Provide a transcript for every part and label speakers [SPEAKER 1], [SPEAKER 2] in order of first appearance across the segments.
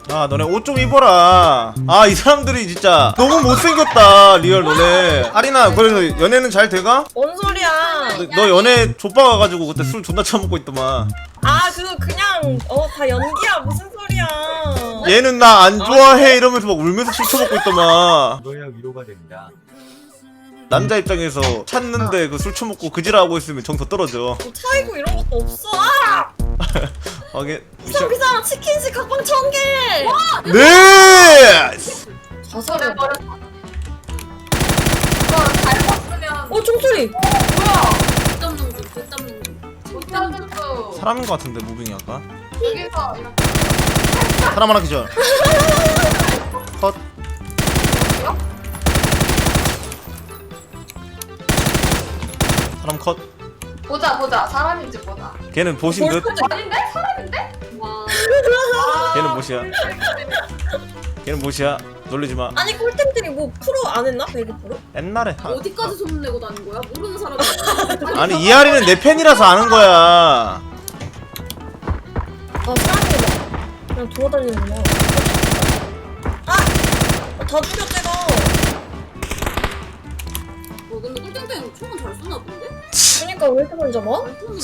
[SPEAKER 1] 아 너네 옷 좀 입어라. 아 이 사람들이 진짜 너무 못생겼다 리얼 너네. 아리나 그래서 연애는 잘 돼가?
[SPEAKER 2] 뭔 소리야?
[SPEAKER 1] 너 연애 족박 가가지고 그때 술 존나 처먹고 있더만.
[SPEAKER 2] 아 그거 그냥 다 연기야 무슨 소리야?
[SPEAKER 1] 얘는 나 안 좋아해 이러면서 막 울면서 술 처먹고 있더만.
[SPEAKER 3] 이거야 위로가 됩니다.
[SPEAKER 1] 남자 입장에서 찾는데 그 술 처먹고 그지라하고 있으면 정 더 떨어져.
[SPEAKER 2] 뭐 차이고 이런 것도 없어. 아!
[SPEAKER 1] 하게
[SPEAKER 2] 비싸 치킨집 각방 1000개.
[SPEAKER 1] 네.
[SPEAKER 2] 자살을.
[SPEAKER 4] 버렸어. 이거 잘 봤으면
[SPEAKER 2] 총소리.
[SPEAKER 4] 뭐야?
[SPEAKER 5] 못 잡는 중, 못 잡는 중.
[SPEAKER 4] 못 잡는도
[SPEAKER 1] 사람인 것 같은데 무빙이 아까.
[SPEAKER 4] 여기서 이렇게
[SPEAKER 1] 사람 하나 기절. 컷. 사람 컷.
[SPEAKER 4] 보자 사람인지 보자.
[SPEAKER 1] 걔는 보신 듯.
[SPEAKER 4] 아닌데? 사람인데?
[SPEAKER 5] 와.
[SPEAKER 1] 걔는 못이야. 걔는 못이야. 놀리지 마.
[SPEAKER 2] 아니 꿀템들이 뭐 프로 안 했나? 베이비 프로?
[SPEAKER 1] 옛날에.
[SPEAKER 5] 어디까지 소문내고 다닌 거야? 모르는 사람이.
[SPEAKER 1] 아니 이하리는 내 팬이라서 아는 거야.
[SPEAKER 2] 아 사람이 막 그냥 돌아다니는구나. 다 죽여 제가.
[SPEAKER 5] 근데 꿀땡땡 총은 잘 쏘나 본데?
[SPEAKER 2] 그러니까 왜 이렇게 많이 잡아?
[SPEAKER 5] 잘 쏘는데?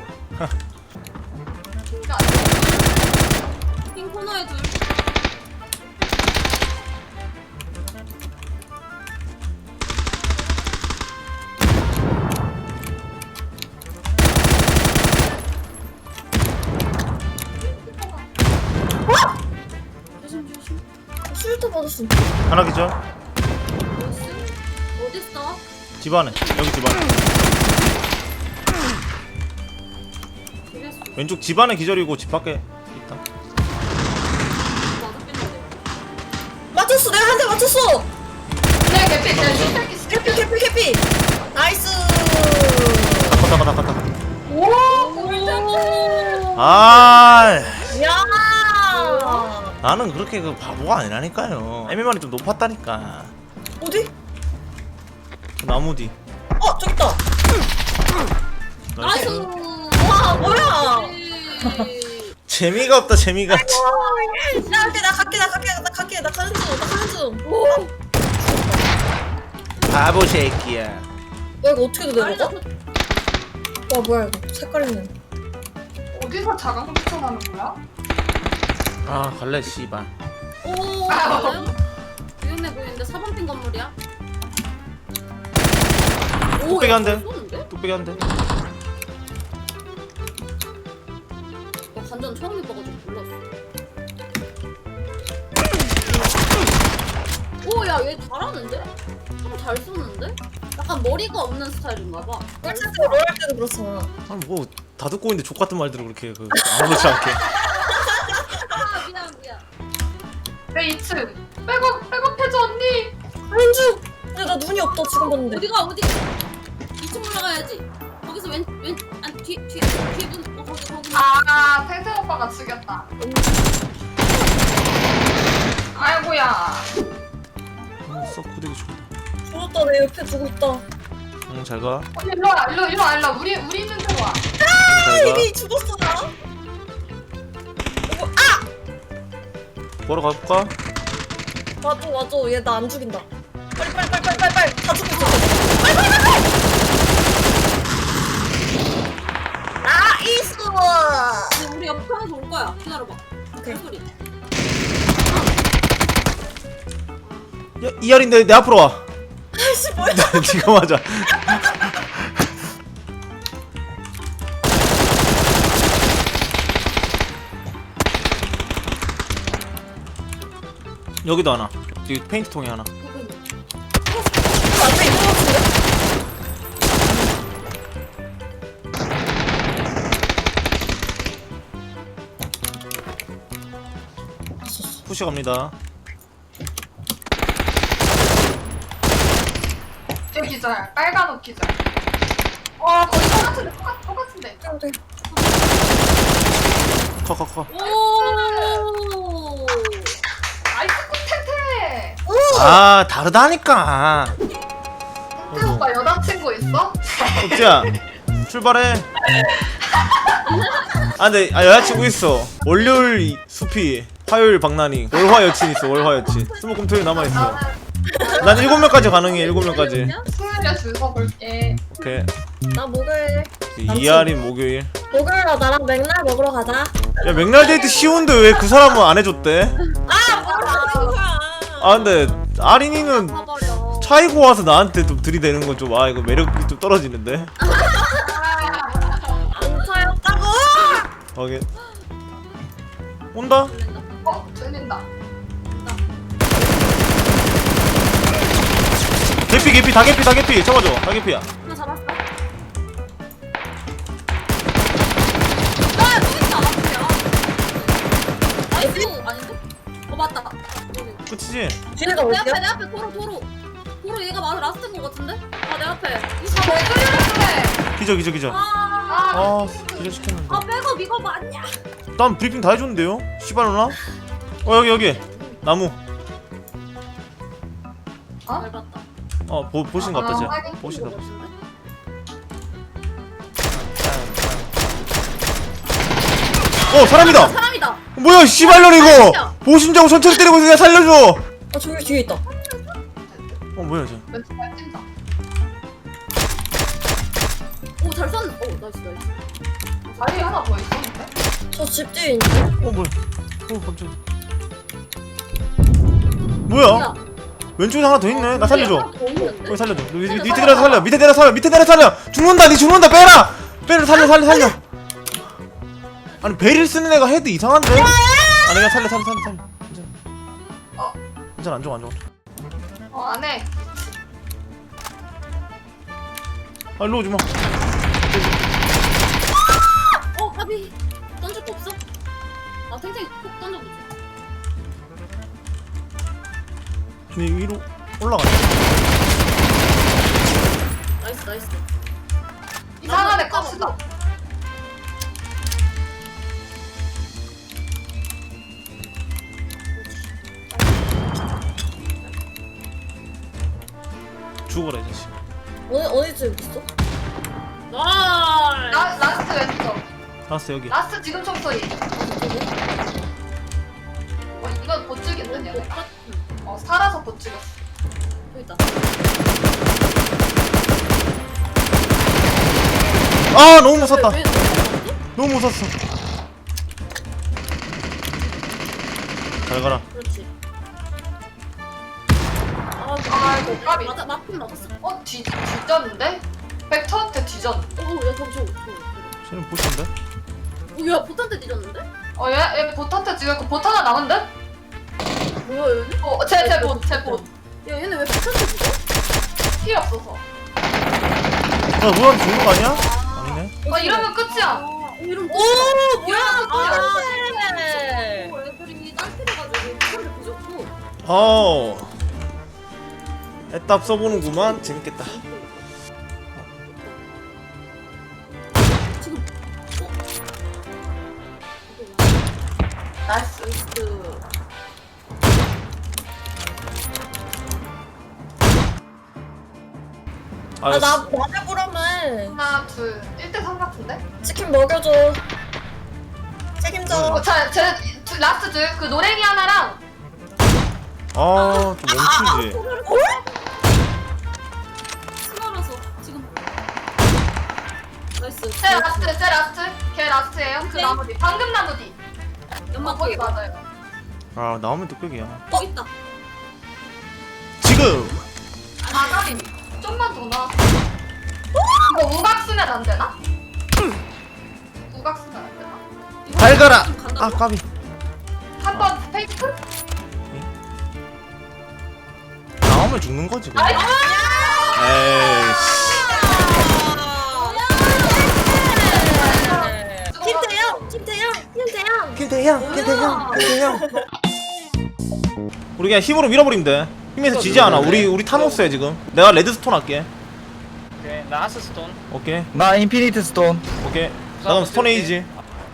[SPEAKER 4] 진짜
[SPEAKER 5] 핑 코너에 둘. 조심 조심.
[SPEAKER 2] 술도 받았어.
[SPEAKER 1] 하나 기절.
[SPEAKER 5] 어딨어?
[SPEAKER 1] 집 안에. 여기 집 안에.
[SPEAKER 5] 그랬어.
[SPEAKER 1] 왼쪽 집 안에 기절이고 집 밖에 있다.
[SPEAKER 5] 나도 뺐는데.
[SPEAKER 2] 맞췄어. 내가 한 대 맞췄어.
[SPEAKER 4] 그냥 개피 그냥 슈퍼기
[SPEAKER 2] 캐피. 나이스.
[SPEAKER 1] 닦아.
[SPEAKER 4] 오 꿀템.
[SPEAKER 1] 아
[SPEAKER 2] 야.
[SPEAKER 1] 나는 그렇게 그 바보가 아니라니까요. MMR이 좀 높았다니까.
[SPEAKER 2] 어디?
[SPEAKER 1] 그 나무 뒤.
[SPEAKER 2] 저기 있다.
[SPEAKER 5] 나이스.
[SPEAKER 2] 와 뭐야?
[SPEAKER 1] 재미가 없다 재미가.
[SPEAKER 2] 야, 나 갈게. 나 가는 중. 오.
[SPEAKER 1] 바보 새끼야.
[SPEAKER 2] 야 이거 어떻게 내려가? 와 뭐야 이거 색깔 있는.
[SPEAKER 4] 어디서 자강 추천하는 거야?
[SPEAKER 1] 아 갈래 씨발.
[SPEAKER 5] 오, 맞아요? 위험해 보이는데 4번 핀 건물이야? 오,
[SPEAKER 1] 뚝배기 한 대.
[SPEAKER 5] 쏘는데?
[SPEAKER 1] 뚝배기 한 대.
[SPEAKER 5] 나 완전 처음 해봐가지고 몰랐어. 오, 야, 얘 잘하는데? 잘 쏘는데? 약간 머리가 없는 스타일인가봐.
[SPEAKER 2] 꿀차트 롤할 때도 그렇잖아.
[SPEAKER 1] 아니 뭐 다 듣고 있는데 족 같은 말들을 그렇게 그 아무렇지 않게.
[SPEAKER 5] 아, 미안.
[SPEAKER 4] 내 2층 백업해줘 언니.
[SPEAKER 2] 가는 중. 근데 나 눈이 없다 지금 봤는데.
[SPEAKER 5] 어디가? 2층 올라가야지. 거기서 뒤에 문, 거기.
[SPEAKER 4] 아 탱탱 오빠가 죽였다. 아이고야.
[SPEAKER 1] 썩 구대기 좋다.
[SPEAKER 2] 죽었다 내 옆에 두고 있다.
[SPEAKER 1] 응 잘 가.
[SPEAKER 4] 언니 일로 와. 우리 있는 데로 와.
[SPEAKER 1] 잘 가.
[SPEAKER 2] 이미 죽었어 나.
[SPEAKER 1] 보러 가볼까?
[SPEAKER 2] 맞아. 얘 나 안 죽인다. 빨리. 다 죽고 있어. 빨리. 나이스.
[SPEAKER 5] 근데 우리 옆편에서 올 거야. 기다려봐.
[SPEAKER 2] 오케이.
[SPEAKER 5] 소리.
[SPEAKER 1] 야 이하린 내 앞으로 와.
[SPEAKER 2] 아이씨 뭐야?
[SPEAKER 1] 네가 맞아. 여기도 하나. 여기 페인트 통에 하나.
[SPEAKER 2] 앞에 있는 것 같은데?
[SPEAKER 1] 푸시 갑니다.
[SPEAKER 4] 제 기절. 빨간 옷 기절. 와 거의 똑같은데.
[SPEAKER 2] 돼.
[SPEAKER 1] 커.
[SPEAKER 5] 오!
[SPEAKER 4] 나이스 꿀템템.
[SPEAKER 1] 아 다르다니까.
[SPEAKER 4] 탱탱 오빠 여자친구 있어?
[SPEAKER 1] 옥지야 출발해. 아 근데 여자친구 있어. 월요일 숲이 화요일 박나니 월화 여친 있어. 월화 여친. 수목금 토요일 남아있어. 난 7명까지 가능해. 7명까지.
[SPEAKER 4] 수요일에 줄 서볼게.
[SPEAKER 1] 오케이.
[SPEAKER 2] 나 목요일.
[SPEAKER 1] 이하린 목요일.
[SPEAKER 2] 목요일에 나랑 맥날 먹으러 가자.
[SPEAKER 1] 야 맥날 데이트 쉬운데 왜 그 사람은 안 해줬대?
[SPEAKER 2] 거야.
[SPEAKER 1] 아 근데 아린이는
[SPEAKER 5] 사버려.
[SPEAKER 1] 차이고 와서 나한테 좀 들이대는 건 좀 아 이거 매력이 좀 떨어지는데.
[SPEAKER 2] 안 차였다고.
[SPEAKER 1] 확인. 온다?
[SPEAKER 4] 들린다.
[SPEAKER 1] 개피 다 개피 잡아줘. 다 개피야.
[SPEAKER 5] 하나 잡았어. 아, 또 있다. 앞이야. 나이스. 아닌데? 맞다.
[SPEAKER 1] 끝이지?
[SPEAKER 2] 뒤에가
[SPEAKER 5] 내
[SPEAKER 2] 어디야?
[SPEAKER 5] 앞에 내 앞에 도로 얘가 맞아 라스트인 것 같은데? 아 내 앞에.
[SPEAKER 4] 왜 그래?
[SPEAKER 1] 기절.
[SPEAKER 5] 아
[SPEAKER 1] 기절 시켰는데.
[SPEAKER 5] 백업 이거 맞냐?
[SPEAKER 1] 난 브리핑 다 해줬는데요? 씨발 누나? 여기 나무.
[SPEAKER 5] 잘 봤다.
[SPEAKER 1] 보신 것 같다
[SPEAKER 4] 확인.
[SPEAKER 1] 쟤. 보신다. 사람이다.
[SPEAKER 5] 사람이다.
[SPEAKER 1] 뭐야 씨발년 이거. 보신자고 천천히 때리고 있어. 살려줘.
[SPEAKER 2] 아 저기 뒤에 있다.
[SPEAKER 1] 뭐야 쟤.
[SPEAKER 4] 왼쪽 뛴다.
[SPEAKER 5] 오잘 쐈네. 오 나이스.
[SPEAKER 4] 자리 하나 더 있었는데?
[SPEAKER 2] 저 집 뒤에 있는데.
[SPEAKER 1] 뭐야. 깜짝이야. 뭐야? 왼쪽에 하나 더 있네. 나 살려줘. 거기 살려줘. 밑에 내려 살려. 밑에 내려 살려. 죽는다. 니 죽는다. 빼라. 살려. 아니 베릴 쓰는 애가 헤드 이상한데? 아니 그냥 살려. 괜찮아. 괜찮아 안 죽어.
[SPEAKER 4] 안 해.
[SPEAKER 1] 아 일로 오지 마.
[SPEAKER 5] 까비. 던질 거 없어? 아 탱탱이 콕 던져보지.
[SPEAKER 1] 니 위로 올라가.
[SPEAKER 5] 나이스.
[SPEAKER 4] 이상한 애 값이다.
[SPEAKER 1] 죽어라 이 자식.
[SPEAKER 2] 어디 집 있어?
[SPEAKER 5] 나이스.
[SPEAKER 4] 라스트 왼쪽.
[SPEAKER 1] 알았어 여기.
[SPEAKER 4] 라스트 지금 총 소리. 이건 보츠겠네. 얘네. 살아서 보츠겠어.
[SPEAKER 5] 또 있다.
[SPEAKER 1] 아 너무 못 샀다.
[SPEAKER 5] 왜
[SPEAKER 1] 너무 못 샀어. 잘 가라.
[SPEAKER 5] 그렇지.
[SPEAKER 4] 아이고, 까비.
[SPEAKER 5] 맞긴 맞았어.
[SPEAKER 4] 뒤졌는데? 벡터한테 뒤졌는데?
[SPEAKER 5] 야 저거.
[SPEAKER 1] 쟤는 보신데?
[SPEAKER 5] 야 보탄테 뒤졌는데?
[SPEAKER 4] 얘 보트한테 뒤졌고 보트 하나 남은데?
[SPEAKER 5] 뭐야 얘는?
[SPEAKER 4] 제 봇.
[SPEAKER 5] 야 얘네 왜 보탄테 뒤져?
[SPEAKER 4] 피 없어서.
[SPEAKER 1] 뭐야 죽는 거 아니야? 아니네.
[SPEAKER 4] 이러면 끝이야.
[SPEAKER 5] 이름
[SPEAKER 2] 오 뭐야?
[SPEAKER 5] 애들이 딸피해가지고 보탄테 뒤졌고.
[SPEAKER 1] 애답 써보는구만. 재밌겠다.
[SPEAKER 5] 지금
[SPEAKER 4] 나이스.
[SPEAKER 2] 나 맞아보라면
[SPEAKER 4] 하나, 둘. 1대3 같은데?
[SPEAKER 2] 치킨 먹여줘. 책임져.
[SPEAKER 4] 라스트 둘. 그 노랭이 하나랑
[SPEAKER 1] 좀 멈추지.
[SPEAKER 5] 스마라서 지금 나이스.
[SPEAKER 4] 제 라스트. 걔 라스트예요. 그
[SPEAKER 5] 네.
[SPEAKER 4] 나무 뒤. 방금 나무 뒤.
[SPEAKER 5] 연막
[SPEAKER 4] 거기 맞아요.
[SPEAKER 1] 나오면 뚝배기야.
[SPEAKER 5] 있다.
[SPEAKER 1] 지금.
[SPEAKER 4] 까비. 좀만 더 나왔어. 이거 우각 쓰면 안 되나? 우각 쓰면 안 되나?
[SPEAKER 1] 잘 가라.
[SPEAKER 5] 좀 간다고?
[SPEAKER 1] 까비.
[SPEAKER 4] 한 번 페이크?
[SPEAKER 1] 나오면 죽는 거지. 그냥. 에이씨. 김태형. 우리 그냥 힘으로 밀어버리면 돼. 힘에서 지지 않아. 우리 타노스야 지금. 내가 레드스톤 할게.
[SPEAKER 3] 오케이, 나 하스스톤.
[SPEAKER 1] 오케이.
[SPEAKER 6] 나 인피니트 스톤.
[SPEAKER 1] 오케이. 나 그럼 스톤 에이지.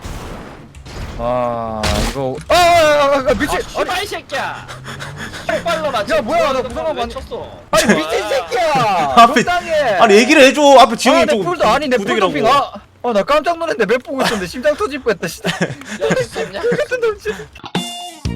[SPEAKER 6] 아 이거 미친.
[SPEAKER 3] 아, 씨발 이 새끼야. 빨로 나.
[SPEAKER 6] 야, 뭐야, 나 무서워,
[SPEAKER 3] 왜
[SPEAKER 6] 많이-
[SPEAKER 3] 쳤어?
[SPEAKER 6] 아니 미친 새끼야.
[SPEAKER 1] 앞에-
[SPEAKER 6] 적당해.
[SPEAKER 1] 아니 얘기를 해줘. 앞에 지영이
[SPEAKER 6] 내
[SPEAKER 1] 좀
[SPEAKER 6] 풀도 아니 내
[SPEAKER 1] 부대기라고.
[SPEAKER 6] 풀도핑 나 깜짝 놀랐는데 맵 보고 있었는데 심장 터질 뻔했다 진짜.
[SPEAKER 3] 야, 진짜.
[SPEAKER 6] 같은 놈 진짜.